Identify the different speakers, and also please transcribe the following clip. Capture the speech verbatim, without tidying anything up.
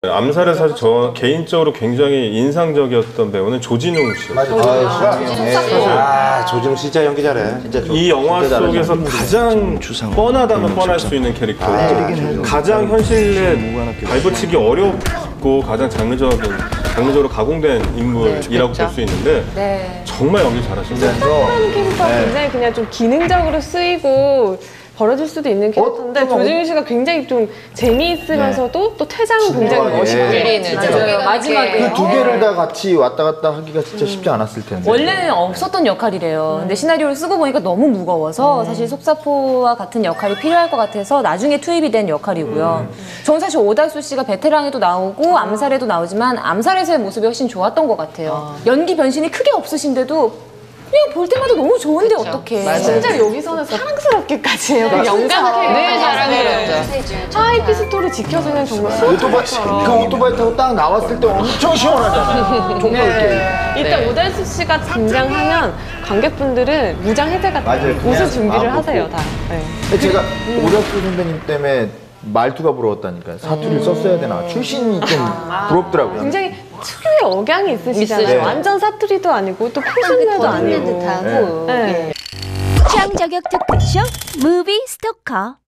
Speaker 1: 암살에 사실 저 개인적으로 굉장히 인상적이었던 배우는 조진웅 씨.
Speaker 2: 맞아. 아, 네. 아, 조진웅 진짜 연기 잘해. 진짜
Speaker 1: 이 영화 속에서 가장 뻔하다면 뻔할 수 있는 캐릭터. 아, 가장 현실에 발붙이기 어렵고 가장 장르적인, 장르적으로 가공된 인물이라고 볼 수 있는데
Speaker 3: 네.
Speaker 1: 정말 연기 잘하십니다.
Speaker 4: 스타라는 캐릭터가 네. 굉장히 그냥 좀 기능적으로 쓰이고 벌어질 수도 있는 캐릭터인데 어? 조진웅 씨가 굉장히 좀 재미있으면서도 네. 또 퇴장은 굉장히 멋있게
Speaker 3: 네. 마지막에
Speaker 2: 그 두 개를 다 같이 왔다 갔다 하기가 진짜 쉽지 않았을 텐데.
Speaker 3: 원래는 없었던 역할이래요. 음. 근데 시나리오를 쓰고 보니까 너무 무거워서 음. 사실 속사포와 같은 역할이 필요할 것 같아서 나중에 투입이 된 역할이고요. 음. 저는 사실 오달수 씨가 베테랑에도 나오고 암살에도 나오지만 암살에서의 모습이 훨씬 좋았던 것 같아요. 아. 연기 변신이 크게 없으신데도 그냥 볼 때마다 너무 좋은데 어떡해.
Speaker 4: 진짜 여기서는 사랑스럽게까지 해요. 그 영감 캐릭터.
Speaker 3: 늘 사랑스럽죠.
Speaker 4: 하이피스토를 지켜주는 정말
Speaker 2: 오토바이, 그 오토바이 타고 딱 나왔을 때 엄청 시원하잖아요. 정말
Speaker 4: 네. 일단 네. 오달수 씨가 등장하면 관객분들은 무장 해제가 웃을 준비를 하세요, 다. 네.
Speaker 2: 제가 음. 오달수 선배님 때문에 말투가 부러웠다니까요. 사투리를 음. 썼어야 되나. 출신이 좀 아. 부럽더라고요.
Speaker 4: 굉장히 특유의 억양이 있으시잖아요. 네. 완전 사투리도 아니고 또 표준말도 아니고.
Speaker 5: 듯하고. 네. 네. 취향 저격 특별쇼 무비 스토커.